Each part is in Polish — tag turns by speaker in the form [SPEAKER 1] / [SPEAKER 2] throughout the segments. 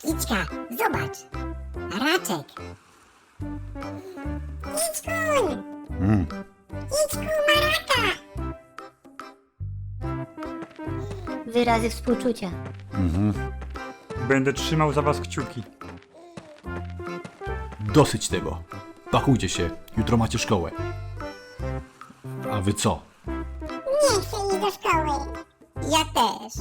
[SPEAKER 1] Kićka, zobacz. Raczek. Kićkun! Kićku, maraka!
[SPEAKER 2] Wyrazy współczucia.
[SPEAKER 3] Będę trzymał za was kciuki.
[SPEAKER 4] Dosyć tego. Pakujcie się, jutro macie szkołę. A wy co?
[SPEAKER 1] Nie chcę iść do szkoły. Ja też.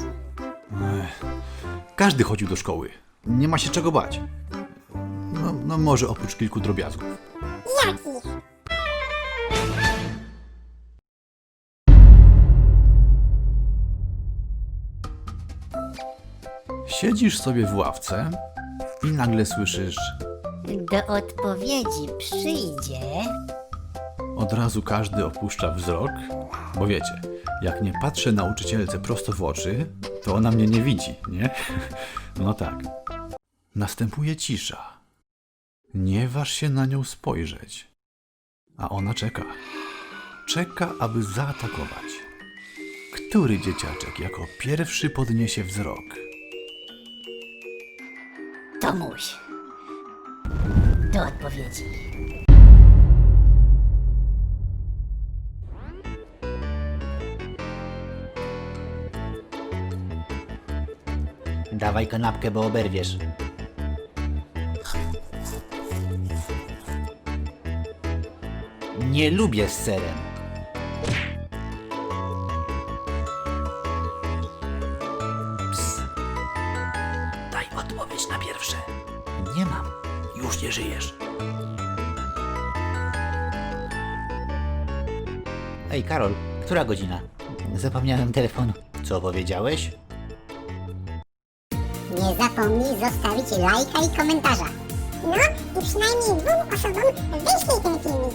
[SPEAKER 4] Każdy chodził do szkoły. Nie ma się czego bać. No może oprócz kilku drobiazgów.
[SPEAKER 1] Jakich?
[SPEAKER 4] Siedzisz sobie w ławce i nagle słyszysz,
[SPEAKER 2] Do odpowiedzi przyjdzie...
[SPEAKER 4] od razu każdy opuszcza wzrok, bo wiecie, jak nie patrzę nauczycielce prosto w oczy, to ona mnie nie widzi, nie? No tak. Następuje cisza. Nie waż się na nią spojrzeć. A ona czeka. Czeka, aby zaatakować. Który dzieciaczek jako pierwszy podniesie wzrok?
[SPEAKER 2] Tomuś. Do odpowiedzi.
[SPEAKER 5] Dawaj kanapkę, bo oberwiesz. Nie lubię z serem. Ps. Daj odpowiedź na pierwsze. Nie mam. Już nie żyjesz. Ej, Karol, która godzina? Zapomniałem telefonu. Co powiedziałeś?
[SPEAKER 1] Nie zapomnij zostawić lajka i komentarza. No i przynajmniej 2 osobom wyślij ten filmik.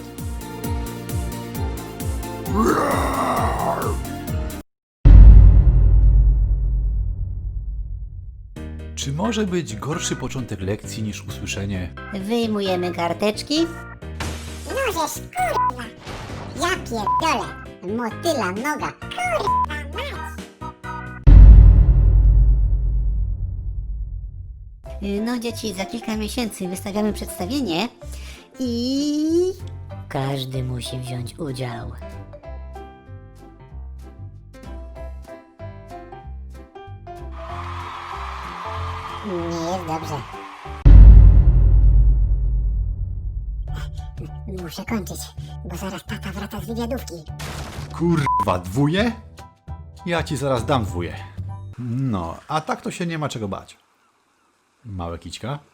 [SPEAKER 4] Czy może być gorszy początek lekcji niż usłyszenie
[SPEAKER 2] Wyjmujemy karteczki.
[SPEAKER 1] Możesz, kurwa. Ja pierdolę. Motyla noga. Kurwa mać.
[SPEAKER 2] No dzieci, za kilka miesięcy wystawiamy przedstawienie i... Każdy musi wziąć udział.
[SPEAKER 1] Nie jest dobrze. Muszę kończyć, bo zaraz tata wraca z wywiadówki.
[SPEAKER 4] kurwa dwóje? Ja ci zaraz dam dwóje. No, a tak to się nie ma czego bać. Małe kićka?